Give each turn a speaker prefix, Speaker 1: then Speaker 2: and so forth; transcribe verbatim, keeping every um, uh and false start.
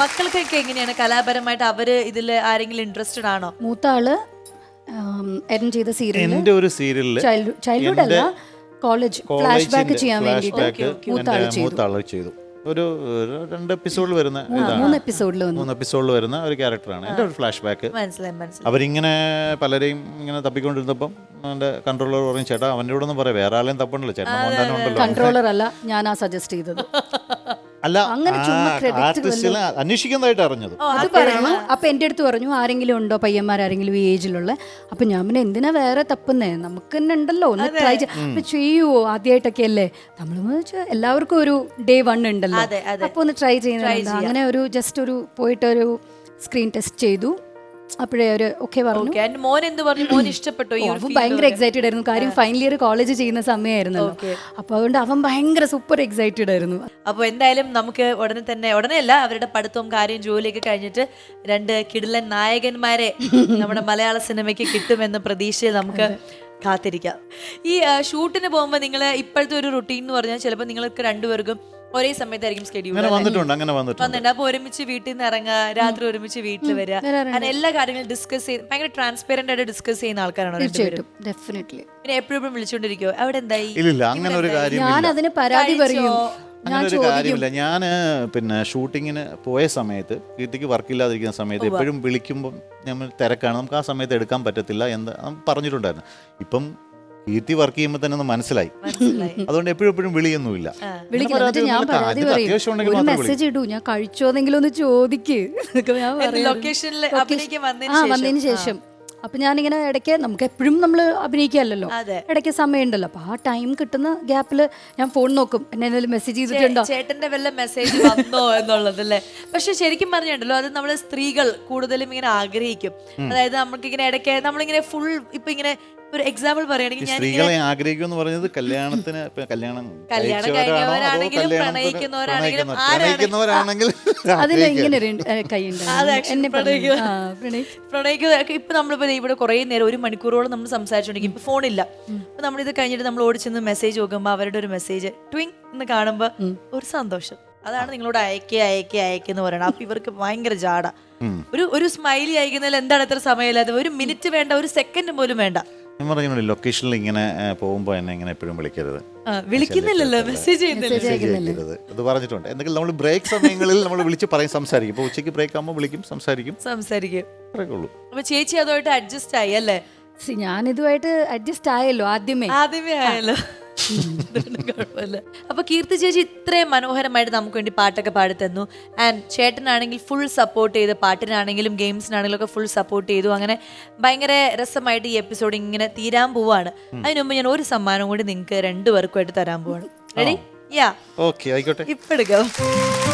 Speaker 1: മക്കൾക്കൊക്കെ എങ്ങനെയാണ് കലാപരമായിട്ട് അവര് ഇതിൽ ആരെങ്കിലും ഇൻട്രസ്റ്റഡ് ആണോ?
Speaker 2: മൂത്ത ആള് എൻ ചെയ്ത സീരിയൽ
Speaker 3: എന്റെ ഒരു സീരിയലില്
Speaker 2: ചൈൽഡ്ഹുഡ് അല്ല കോളേജ് ഫ്ലാഷ് ബാക്ക് ചെയ്യാൻ
Speaker 3: ഫ്ലാഷ്
Speaker 2: വേണ്ടിയിട്ട്
Speaker 3: ബാക്ക്
Speaker 2: മൂത്ത ആള് ചെയ്തു.
Speaker 3: മൂത്ത ആള് ചെയ്തു. ഒരു ഒരു രണ്ട് എപ്പിസോഡിൽ വരുന്ന ഇതാണ്.
Speaker 2: മൂന്ന് എപ്പിസോഡിൽ വന്നു.
Speaker 3: മൂന്ന് എപ്പിസോഡിൽ വരുന്ന ഒരു ക്യാരക്ടറാണ് എൻ്റെ ഒരു ഫ്ലാഷ് ബാക്ക്.
Speaker 1: മനസ്സിലായി മനസ്സിലായി.
Speaker 3: അവരിങ്ങനെ പലരെയും ഇങ്ങനെ തപ്പിക്കൊണ്ടിരുന്നപ്പം എൻ്റെ കൺട്രോളർ പറയും, ചേട്ടാ അവൻ്റെ കൂടെ ഒന്നും പറയാം, വേറെ ആളെയും തപ്പണ്ടല്ലോ, ചേട്ടൻ മോഹൻലാൽ ഉണ്ടല്ലോ.
Speaker 2: കൺട്രോളർ അല്ല, ഞാനാ സജസ്റ്റ് ചെയ്തത്.
Speaker 3: അല്ല,
Speaker 2: അങ്ങനെ ചുമ്മാ credit
Speaker 3: ആർട്ടിസ്റ്റിനെ അന്വേഷിക്കുന്നതായിട്ട് അറിഞ്ഞത്.
Speaker 2: അത് പറഞ്ഞു. അപ്പൊ എന്റെ അടുത്ത് പറഞ്ഞു, ആരെങ്കിലും ഉണ്ടോ പയ്യന്മാരെങ്കിലും ഈ ഏജിലുള്ള? അപ്പൊ ഞാൻ പിന്നെ എന്തിനാ വേറെ തപ്പുന്നേ, നമുക്ക് തന്നെ ഉണ്ടല്ലോ, ഒന്ന് ട്രൈ ചെയ്യുവോ, ആദ്യമായിട്ടൊക്കെ അല്ലേ നമ്മൾ. എല്ലാവർക്കും ഒരു ഡേ വൺ ഉണ്ടല്ലോ, അപ്പൊ ഒന്ന് ട്രൈ ചെയ്യുന്നത്. അങ്ങനെ ഒരു ജസ്റ്റ് ഒരു പോയിട്ട് ഒരു സ്ക്രീൻ ടെസ്റ്റ് ചെയ്തു. അപ്പോഴേ ഒരു ഓക്കെ പറഞ്ഞു.
Speaker 1: മോൻ എന്ത് പറഞ്ഞു? മോൻ ഇഷ്ടപ്പെട്ടു?
Speaker 2: അവൻ ഭയങ്കര എക്സൈറ്റഡ് ആയിരുന്നു. കാര്യം ഫൈനൽ ഇയർ കോളേജ് ചെയ്യുന്ന സമയമായിരുന്നല്ലോ. അപ്പൊ അതുകൊണ്ട് അവൻ ഭയങ്കര സൂപ്പർ എക്സൈറ്റഡ് ആയിരുന്നു.
Speaker 1: അപ്പോൾ എന്തായാലും നമുക്ക് ഉടനെ തന്നെ, ഉടനെ അല്ല, അവരുടെ പഠിത്തവും കാര്യം ജോലിയൊക്കെ കഴിഞ്ഞിട്ട് രണ്ട് കിടിലൻ നായകന്മാരെ നമ്മുടെ മലയാള സിനിമയ്ക്ക് കിട്ടുമെന്ന പ്രതീക്ഷയിൽ നമുക്ക് കാത്തിരിക്കാം. ഈ ഷൂട്ടിന് പോകുമ്പോൾ നിങ്ങൾ ഇപ്പോഴത്തെ ഒരു റുട്ടീൻ എന്ന് പറഞ്ഞാൽ ചിലപ്പോൾ നിങ്ങൾക്ക് രണ്ടുപേർക്കും ഒരേ സമയത്തായിരിക്കും സ്കെഡ്യൂൾ
Speaker 3: വന്നിട്ടുണ്ട്. അങ്ങനെ വന്നിട്ടുണ്ട്.
Speaker 1: അപ്പൊ ഒരുമിച്ച് വീട്ടിൽ നിന്ന് ഇറങ്ങുക, രാത്രി ഒരുമിച്ച് വീട്ടിൽ വരിക, അങ്ങനെ എല്ലാ കാര്യങ്ങളും ഡിസ്കസ് ചെയ്ത് ഭയങ്കര ട്രാൻസ്പെറന്റ് ആയിട്ട് ഡിസ്കസ് ചെയ്യുന്ന ആൾക്കാരാണോ?
Speaker 2: ഡെഫിനറ്റ്ലി.
Speaker 1: പിന്നെ എപ്പോഴും വിളിച്ചോണ്ടിരിക്കോ അവിടെ എന്തായി?
Speaker 3: ഇല്ല, അങ്ങനെ ഒരു കാര്യം
Speaker 2: ഞാൻ അതിന് പരാതി പറയും.
Speaker 3: അങ്ങനെ ഒരു കാര്യമില്ല. ഞാൻ പിന്നെ ഷൂട്ടിങ്ങിന് പോയ സമയത്ത്, കീർത്തിക്ക് വർക്കില്ലാതിരിക്കുന്ന സമയത്ത് എപ്പോഴും വിളിക്കുമ്പം നമ്മൾ തിരക്കാണ്, നമുക്ക് ആ സമയത്ത് എടുക്കാൻ പറ്റത്തില്ല എന്ന് പറഞ്ഞിട്ടുണ്ടായിരുന്നു. ഇപ്പം കീർത്തി വർക്ക് ചെയ്യുമ്പോൾ തന്നെ ഒന്ന് മനസ്സിലായി. അതുകൊണ്ട് എപ്പോഴും എപ്പോഴും വിളിയൊന്നുമില്ല.
Speaker 2: മെസ്സേജ് ഇടൂ, ഞാൻ കഴിച്ചോന്നെങ്കിലും ഒന്ന് ചോദിക്ക്. വന്നതിന് ശേഷം അപ്പൊ ഞാനിങ്ങനെ ഇടയ്ക്ക്, നമുക്ക് എപ്പോഴും നമ്മൾ അഭിനയിക്കാമല്ലോ, ഇടയ്ക്ക് സമയമുണ്ടല്ലോ, അപ്പൊ ആ ടൈം കിട്ടുന്ന ഗ്യാപ്പിൽ ഞാൻ ഫോൺ നോക്കും, എന്നെ എന്തെങ്കിലും മെസ്സേജ് ചെയ്തിട്ടുണ്ടോ,
Speaker 1: ചേട്ടന്റെ വല്ല മെസ്സേജ് വന്നോ എന്നുള്ളതല്ലേ. പക്ഷെ ശരിക്കും പറഞ്ഞിട്ടുണ്ടല്ലോ, അത് നമ്മള് സ്ത്രീകൾ കൂടുതലും ഇങ്ങനെ ആഗ്രഹിക്കും. അതായത് നമുക്കിങ്ങനെ ഇടയ്ക്ക് നമ്മളിങ്ങനെ ഫുൾ ഇപ്പൊ ഇങ്ങനെ ഒരു എക്സാമ്പിൾ പറയുകയാണെങ്കിൽ,
Speaker 3: സ്ത്രീകളെ ആഗ്രഹിക്കുമെന്ന് പറഞ്ഞത് കല്യാണത്തിന് കല്യാണം
Speaker 1: കല്യാണം കഴിഞ്ഞവരാണെങ്കിലും പ്രണയിക്കുന്നവരാണെങ്കിലും
Speaker 3: പ്രണയിക്കുന്നവരാണെങ്കിൽ
Speaker 2: അതിന് ഇങ്ങനെ
Speaker 1: പ്രണയിക്കുക. ഇപ്പൊ നമ്മളിപ്പോ ഇവിടെ കുറെ നേരം ഒരു മണിക്കൂറോളം നമ്മൾ സംസാരിച്ചോണ്ടിരിക്കും. ഇപ്പൊ ഫോണില്ല. അപ്പൊ നമ്മളിത് കഴിഞ്ഞിട്ട് നമ്മൾ ഓടിച്ചെന്ന് മെസ്സേജ് നോക്കുമ്പോ അവരുടെ ഒരു മെസ്സേജ് ട്വിങ് എന്ന് കാണുമ്പോ ഒരു സന്തോഷം. അതാണ് നിങ്ങളോട് അയക്കേ അയക്കേ അയക്കെന്ന് പറയണം. അപ്പൊ ഇവർക്ക് ഭയങ്കര ജാട. ഒരു ഒരു സ്മൈലി അയക്കുന്നതിൽ എന്താണ് എത്ര സമയമില്ലാതെ, ഒരു മിനിറ്റ് വേണ്ട, ഒരു സെക്കൻഡ് പോലും വേണ്ട.
Speaker 3: ഞാൻ പറഞ്ഞു, ലൊക്കേഷനിൽ ഇങ്ങനെ പോകുമ്പോൾ എന്നെ ഇങ്ങനെ എപ്പോഴും വിളിക്കരുത്,
Speaker 1: വിളിക്കുന്നില്ലല്ലോ, മെസ്സേജ് ചെയ്യുന്നില്ല.
Speaker 3: അത് പറഞ്ഞിട്ടുണ്ട്. എന്തെങ്കിലും നമ്മൾ ബ്രേക്ക് സമയങ്ങളിൽ നമ്മൾ വിളിച്ച് പറയും, സംസാരിക്കും. ഇപ്പൊ ഉച്ചയ്ക്ക് ബ്രേക്ക് ആകുമ്പോൾ വിളിക്കും, സംസാരിക്കും
Speaker 1: സംസാരിക്കും
Speaker 3: ഉള്ളൂ.
Speaker 1: അപ്പൊ ചേച്ചി അതുമായിട്ട് അഡ്ജസ്റ്റ് ആയി അല്ലേ?
Speaker 2: ഞാൻ ഇതുമായിട്ട് അഡ്ജസ്റ്റ് ആയല്ലോ, ആദ്യമേ
Speaker 1: ആദ്യമേ ആയല്ലോ. കുഴപ്പമില്ല. അപ്പൊ കീർത്തി ചേച്ചി ഇത്രയും മനോഹരമായിട്ട് നമുക്ക് വേണ്ടി പാട്ടൊക്കെ പാടി തന്നു. ആൻഡ് ചേട്ടനാണെങ്കിൽ ഫുൾ സപ്പോർട്ട് ചെയ്ത്, പാട്ടിനാണെങ്കിലും ഗെയിംസിനാണെങ്കിലും ഒക്കെ ഫുൾ സപ്പോർട്ട് ചെയ്തു. അങ്ങനെ ഭയങ്കര രസമായിട്ട് ഈ എപ്പിസോഡ് ഇങ്ങനെ തീരാൻ പോവാണ്. അതിനുമുമ്പ് ഞാൻ ഒരു സമ്മാനം കൂടി നിങ്ങൾക്ക് രണ്ടുപേർക്കുമായിട്ട് തരാൻ പോവാണ്. റെഡി? യാ,
Speaker 3: ഓക്കെ, ആയിക്കോട്ടെ.
Speaker 1: ഇപ്പൊ എടുക്കാം.